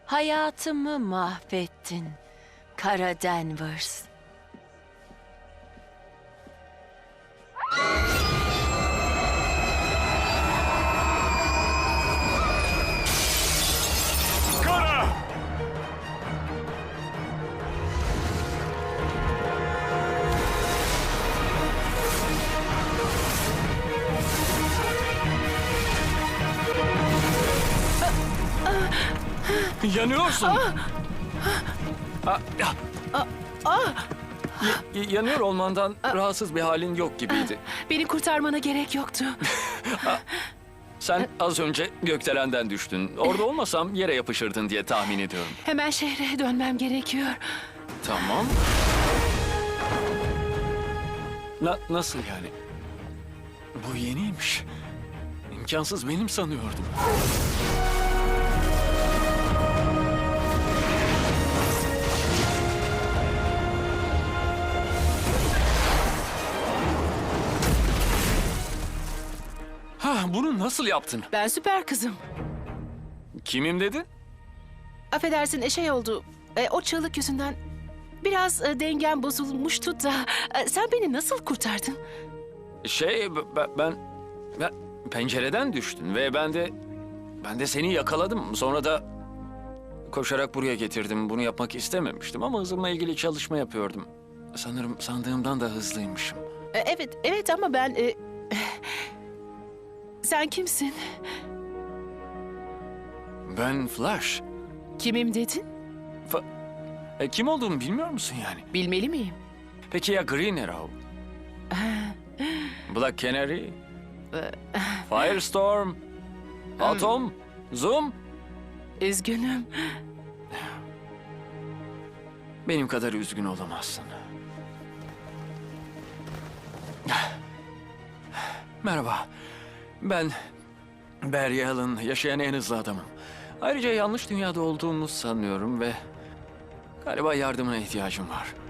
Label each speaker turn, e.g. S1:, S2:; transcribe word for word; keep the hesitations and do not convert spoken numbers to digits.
S1: Hayatımı mahvettin, Kara Danvers.
S2: Kara! Yanıyorsun. Aa, y- y- yanıyor olmandan rahatsız bir halin yok gibiydi.
S3: Beni kurtarmana gerek yoktu.
S2: Sen az önce gökdelenden düştün. Orada olmasam yere yapışırdın diye tahmin ediyorum.
S3: Hemen şehre dönmem gerekiyor.
S2: Tamam. Na- nasıl yani? Bu yeniymiş. İmkansız, benim sanıyordum. Ha, bunu nasıl yaptın?
S3: Ben süper kızım.
S2: Kimim dedin?
S3: Affedersin e, şey oldu. E, o çığlık yüzünden biraz e, dengem bozulmuştu da. E, sen beni nasıl kurtardın?
S2: Şey, b- b- ben, ben pencereden düştün ve ben de ben de seni yakaladım. Sonra da koşarak buraya getirdim. Bunu yapmak istememiştim ama hızımla ilgili çalışma yapıyordum. Sanırım sandığımdan da hızlıymışım.
S3: E, evet, evet ama ben... e, sen kimsin?
S2: Ben Flash.
S3: Kimim dedin?
S2: Fa- e, kim olduğumu bilmiyor musun yani?
S3: Bilmeli miyim?
S2: Peki ya Green Arrow? Black Canary? Firestorm? Atom? Zoom?
S3: Üzgünüm.
S2: Benim kadar üzgün olamazsın. Merhaba. Ben Barry Allen, yaşayan en hızlı adamım. Ayrıca yanlış dünyada olduğumu sanıyorum ve galiba yardımına ihtiyacım var.